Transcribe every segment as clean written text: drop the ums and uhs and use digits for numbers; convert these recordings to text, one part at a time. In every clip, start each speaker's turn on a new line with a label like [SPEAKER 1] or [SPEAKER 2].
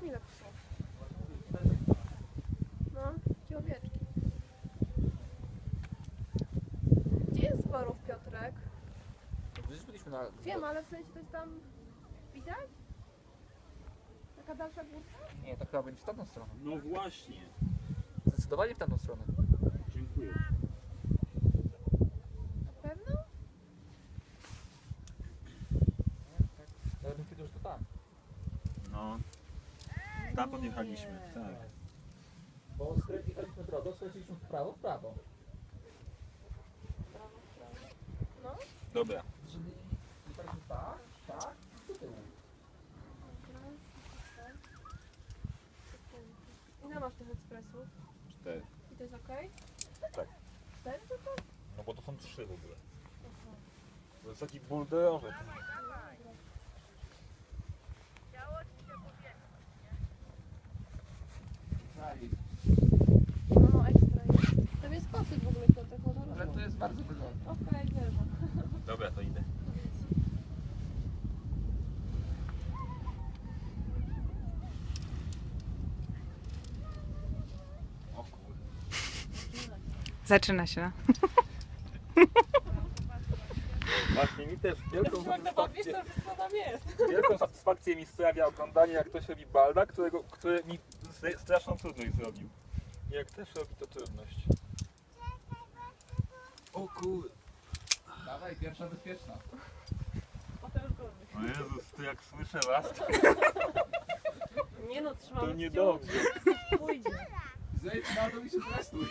[SPEAKER 1] ile to są? No, gdzie owieczki? Gdzie jest Zborów, Piotrek?
[SPEAKER 2] Gdzieś byliśmy na...
[SPEAKER 1] Wiem, ale w sensie to jest tam... Widać? Taka dalsza górka?
[SPEAKER 2] Nie, to chyba będzie w tamtą stronę.
[SPEAKER 3] No właśnie.
[SPEAKER 2] Zdecydowanie w tamtą stronę.
[SPEAKER 3] Dziękuję.
[SPEAKER 1] Na pewno?
[SPEAKER 2] Ja bym powiedział, że to tam.
[SPEAKER 3] No. Tam podjechaliśmy, tak.
[SPEAKER 2] Bo skręciliśmy drogę, skręciliśmy w prawo, w prawo.
[SPEAKER 1] Prawo, prawo. No?
[SPEAKER 3] Dobra.
[SPEAKER 2] Czyli jechaliśmy tak, tak i do tyłu.
[SPEAKER 1] Ile masz tych ekspresów?
[SPEAKER 3] 4.
[SPEAKER 1] I to jest ok?
[SPEAKER 3] Tak.
[SPEAKER 1] 4 tylko?
[SPEAKER 3] No bo to są 3 w ogóle.
[SPEAKER 1] Aha.
[SPEAKER 3] To jest taki bulderowy.
[SPEAKER 1] No, ekstra jest. Tam jest kosyk w ogóle, Piotrek, można
[SPEAKER 2] Ale
[SPEAKER 1] robić.
[SPEAKER 2] to jest bardzo wygodne.
[SPEAKER 1] Okej, wierzę.
[SPEAKER 3] Dobra, to idę. O kurde.
[SPEAKER 4] Zaczyna się.
[SPEAKER 3] Właśnie mi też wielką
[SPEAKER 1] jest.
[SPEAKER 3] wielką satysfakcję mi sprawia oglądanie, jak ktoś robi balda, który mi straszną trudność zrobił. Jak też robi to trudność. O kurde.
[SPEAKER 2] Dawaj, pierwsza bezpieczna.
[SPEAKER 1] Potem już gorzej.
[SPEAKER 3] O Jezus, to jak słyszę was,
[SPEAKER 1] Nie no, trzymamy
[SPEAKER 3] to niedobrze.
[SPEAKER 1] Pójdzie.
[SPEAKER 2] Zejdź na dół i się zrestuj.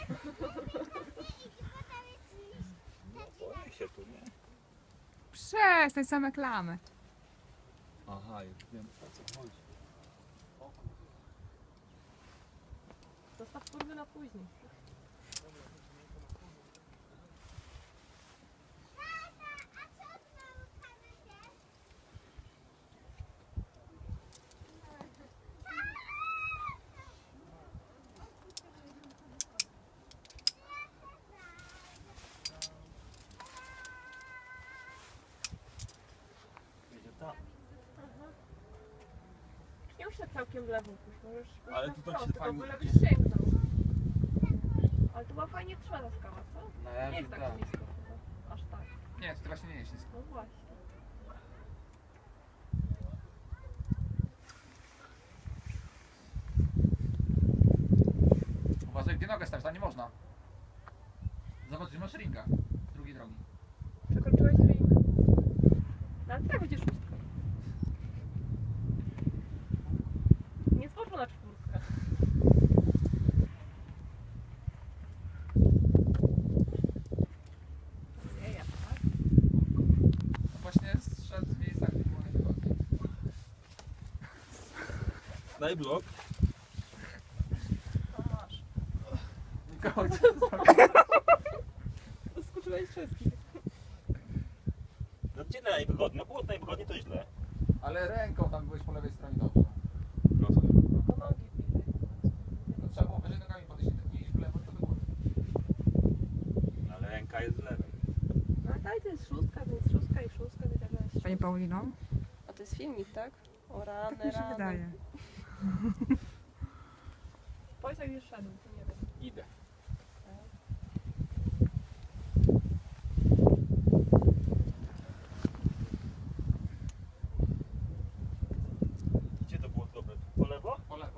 [SPEAKER 3] No boję się tu, nie?
[SPEAKER 4] Przestań, same klamy.
[SPEAKER 3] Aha, już wiem o co chodzi.
[SPEAKER 1] Zostaw kurwy na później.
[SPEAKER 3] Idzie tam.
[SPEAKER 1] Nie muszę tak całkiem w lewo pójść, możesz pójść
[SPEAKER 3] Ale
[SPEAKER 1] na
[SPEAKER 3] tu tak
[SPEAKER 1] wprost,
[SPEAKER 3] się
[SPEAKER 1] tylko
[SPEAKER 3] fajnie
[SPEAKER 1] byle
[SPEAKER 3] idzie.
[SPEAKER 1] byś sięgnął. Ale to była fajnie trzyma ta skała, co?
[SPEAKER 2] Na
[SPEAKER 1] Nie
[SPEAKER 2] razie
[SPEAKER 1] jest tak
[SPEAKER 2] tak.
[SPEAKER 1] blisko chyba. Aż tak.
[SPEAKER 2] Nie, to właśnie nie jest nisko.
[SPEAKER 1] No właśnie.
[SPEAKER 2] Uważaj, gdzie nogę stawić, tam nie można. Zobacz, że masz ringa z drugiej drogi.
[SPEAKER 1] Przekroczyłeś ring. No ale tak będzie szóstka. Nie skoczył na czwórkę. Nie, ja tak?
[SPEAKER 2] No właśnie zszedł z miejsca, gdzie było najwygodniej.
[SPEAKER 3] Daj blok.
[SPEAKER 1] To masz.
[SPEAKER 2] Mikołaj,
[SPEAKER 1] Skoczyłeś wszystkich.
[SPEAKER 3] No gdzie najwygodniej? No było najwygodniej, to źle.
[SPEAKER 2] ale ręką tam byłeś po lewej stronie dobrze.
[SPEAKER 3] No to
[SPEAKER 1] To nogi bliżej.
[SPEAKER 2] No, trzeba było wyżej nogami podejść, nie iść w lewo, to by było.
[SPEAKER 3] ale ręka jest z lewej.
[SPEAKER 1] No daj, to jest szóstka, więc szóstka i szóstka, i tak dalej.
[SPEAKER 4] Pani Paulino?
[SPEAKER 1] A to jest filmik, tak? O rany,
[SPEAKER 4] Tak mi się
[SPEAKER 1] rany.
[SPEAKER 4] wydaje.
[SPEAKER 1] Powiedz jak już szedł, to nie wiem.
[SPEAKER 2] Idę.
[SPEAKER 3] Gdzie to było dobre? Po lewo?
[SPEAKER 2] Po lewo.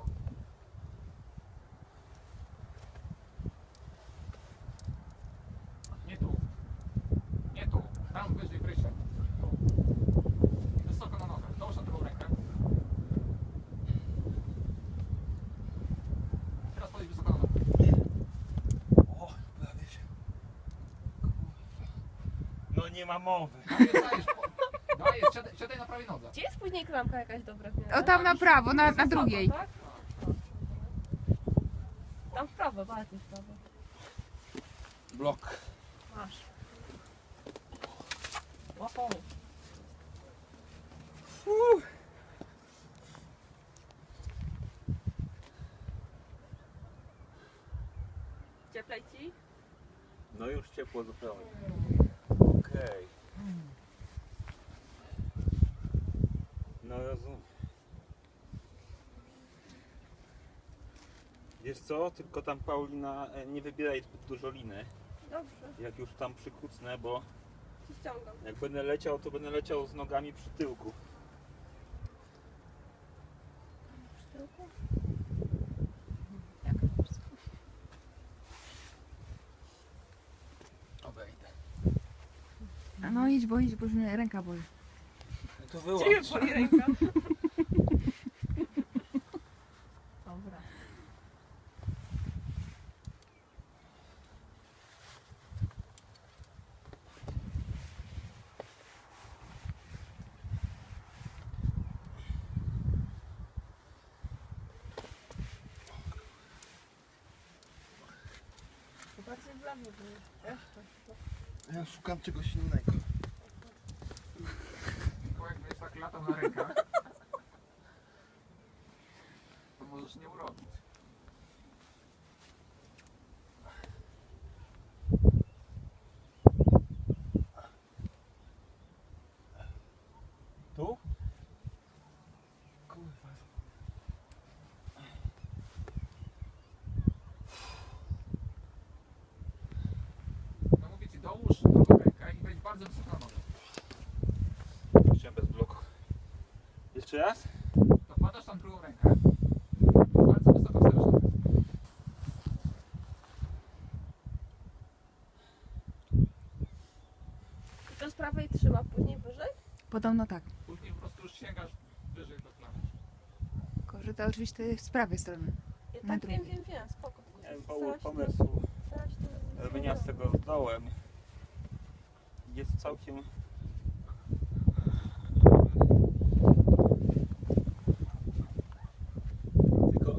[SPEAKER 2] Nie tu. Nie tu. Tam wyżej Krysia. Tu. Wysoko na nogę. Dołóż na drugą rękę. Teraz podejdź wysoko na nogę.
[SPEAKER 3] O, prawie się. No nie ma mowy.
[SPEAKER 2] Dajesz, siadaj na prawej nodze.
[SPEAKER 1] Gdzie jest później klamka jakaś dobra w miarę?
[SPEAKER 4] O, tam na prawo, na
[SPEAKER 1] Wysoko,
[SPEAKER 4] drugiej.
[SPEAKER 1] Tak? Tam w prawo, bardziej w prawo.
[SPEAKER 3] Blok.
[SPEAKER 1] Masz. Oho. Cieplej ci?
[SPEAKER 3] No już ciepło zupełnie. Okej. No rozumiem. Wiesz co, tylko tam Paulina nie wybieraj zbyt dużo liny.
[SPEAKER 1] Dobrze,
[SPEAKER 3] Jak już tam przykucnę, bo
[SPEAKER 1] ci ściągam.
[SPEAKER 3] jak będę leciał, to będę leciał z nogami przy tyłku.
[SPEAKER 1] Przy tyłku?
[SPEAKER 3] Obejdę.
[SPEAKER 4] A no idź, bo już mnie ręka boli.
[SPEAKER 3] To
[SPEAKER 1] Ciebie boli ręka. Dobra. Zobaczcie w lewo, bo jeszcze.
[SPEAKER 5] Ja szukam czegoś innego.
[SPEAKER 2] Tylko jak będziesz tak latał na rękach, to możesz nie urobić.
[SPEAKER 3] Tu?
[SPEAKER 5] Kurwa.
[SPEAKER 2] No mówię ci, dołóż drugą rękę i wejdź bardzo wysoko na nogę.
[SPEAKER 3] Chciałem bez bloku. Jeszcze raz?
[SPEAKER 2] To wkładasz tam drugą rękę. Bardzo wysoko wstawiasz nogę.
[SPEAKER 1] I to z prawej trzyma, później wyżej?
[SPEAKER 4] Podobno tak.
[SPEAKER 2] Później po prostu już sięgasz wyżej do klawisz.
[SPEAKER 4] Tylko, że to oczywiście jest z prawej strony.
[SPEAKER 1] Ja
[SPEAKER 4] Na
[SPEAKER 1] tak wiem,
[SPEAKER 4] drugiej.
[SPEAKER 1] wiem, spoko.
[SPEAKER 3] Nie wiem,
[SPEAKER 1] Starałaś się
[SPEAKER 3] pomysłu
[SPEAKER 1] starałaś się to
[SPEAKER 3] wyniosłego z dołem. Jest całkiem... Tylko...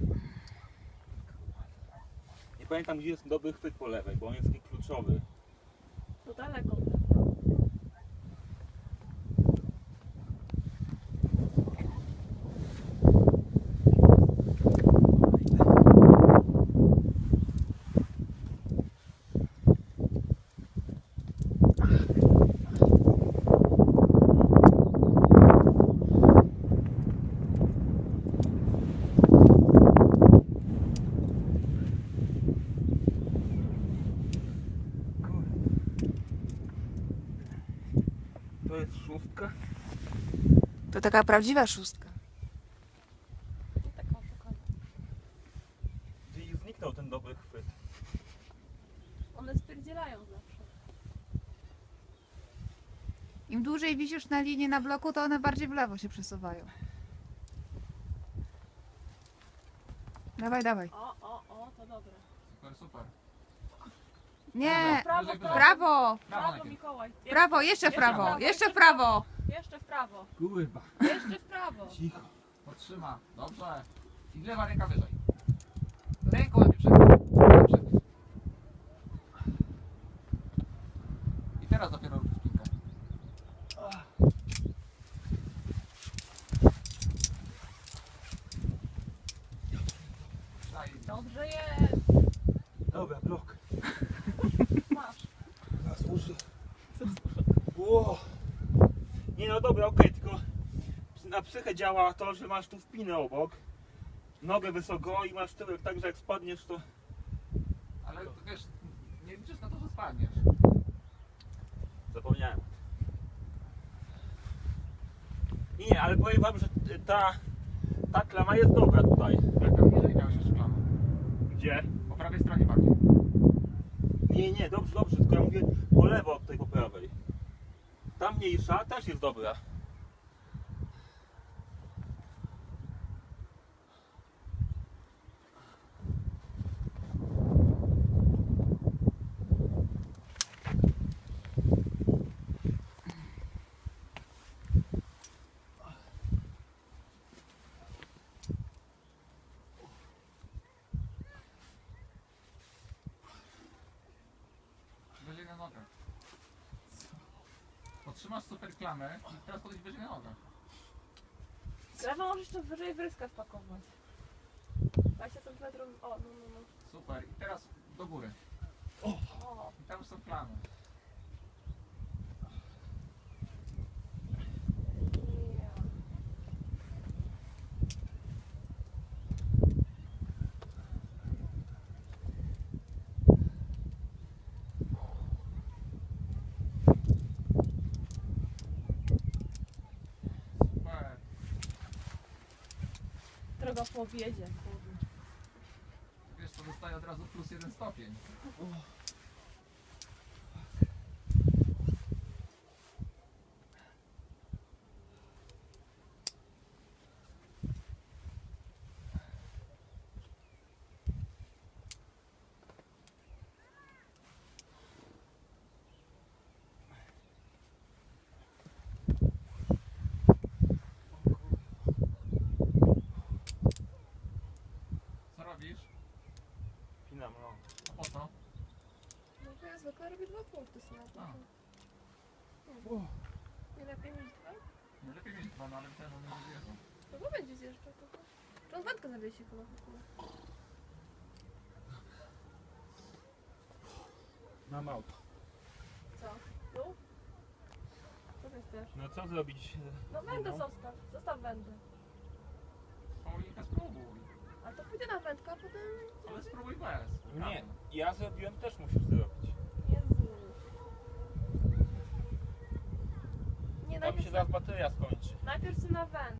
[SPEAKER 3] Nie pamiętam, gdzie jest dobry chwyt po lewej, bo on jest taki kluczowy.
[SPEAKER 1] To daleko.
[SPEAKER 3] To jest szóstka.
[SPEAKER 4] To taka prawdziwa szóstka.
[SPEAKER 1] I taką szukam.
[SPEAKER 3] Gdzieś zniknął ten dobry chwyt.
[SPEAKER 1] One spierdzielają zawsze.
[SPEAKER 4] Im dłużej wisisz na linii na bloku, to one bardziej w lewo się przesuwają. Dawaj, dawaj.
[SPEAKER 1] O, to dobre.
[SPEAKER 2] Super, super.
[SPEAKER 4] Nie!
[SPEAKER 1] Prawo,
[SPEAKER 2] Wyżej,
[SPEAKER 1] prawo.
[SPEAKER 4] Prawo!
[SPEAKER 1] Prawo,
[SPEAKER 2] najpierw.
[SPEAKER 1] Mikołaj.
[SPEAKER 4] Prawo, jeszcze w prawo, jeszcze w prawo!
[SPEAKER 1] Jeszcze w prawo.
[SPEAKER 2] Kurwa.
[SPEAKER 1] Jeszcze w prawo.
[SPEAKER 3] Cicho.
[SPEAKER 2] Podtrzyma. Dobrze. I lewa ręka wyżej. Ręką lepiej przed. I teraz dopiero rób spinkę. Daj.
[SPEAKER 1] Dobrze jest.
[SPEAKER 3] Dobra, blok.
[SPEAKER 1] Masz.
[SPEAKER 3] Zasłuży. Ło. Nie no dobra, okej, tylko na psychę działa to, że masz tu wpinę obok. Nogę wysoko i masz tyłek tak, że jak spadniesz to...
[SPEAKER 2] Ale wiesz, nie liczysz na to, że spadniesz.
[SPEAKER 3] Zapomniałem. Nie, ale powiem wam, że ta klama jest dobra tutaj.
[SPEAKER 2] Jak tam niżej miałeś jeszcze klamę.
[SPEAKER 3] Gdzie?
[SPEAKER 2] Po prawej stronie bardziej.
[SPEAKER 3] Nie, dobrze, tylko ja mówię po lewo od tej po prawej. Ta mniejsza też jest dobra.
[SPEAKER 2] Wyżej na nogę. Potrzymasz super klamę i teraz podejdź wyżej na nogę.
[SPEAKER 1] Lewo możesz jeszcze wyżej wryska wpakować. 20 cm. O, no.
[SPEAKER 2] Super. I teraz do góry.
[SPEAKER 1] O.
[SPEAKER 2] I tam są klamy.
[SPEAKER 1] jutro go powiedzie.
[SPEAKER 2] Wiesz, to dostaje od razu +1 stopień. Co robisz?
[SPEAKER 3] Pinam, no.
[SPEAKER 2] A po co?
[SPEAKER 1] No to ja zwykle robię 2 punkty sobie na
[SPEAKER 2] A.
[SPEAKER 1] to. Nie lepiej mieć 2?
[SPEAKER 2] Nie lepiej mieć 2, no ale ten on nie zjeżdża.
[SPEAKER 1] No bo będzie zjeżdżał to. Czy on wędkę zawiesi chyba w ogóle?
[SPEAKER 3] Mam auto.
[SPEAKER 1] Co? Tu? Co ty chcesz?
[SPEAKER 3] No co zrobić?
[SPEAKER 1] No wędę
[SPEAKER 3] No.
[SPEAKER 1] zostaw. Zostaw wędę.
[SPEAKER 2] Paulinka, spróbuj.
[SPEAKER 1] A to pójdę na wędkę, a potem...
[SPEAKER 2] Ale spróbuj bez.
[SPEAKER 3] Nie, ja zrobiłem, też musisz zrobić.
[SPEAKER 1] Jezu. Nie,
[SPEAKER 3] Tam się
[SPEAKER 1] najpierw,
[SPEAKER 3] zaraz bateria skończy.
[SPEAKER 1] najpierw na wędkę.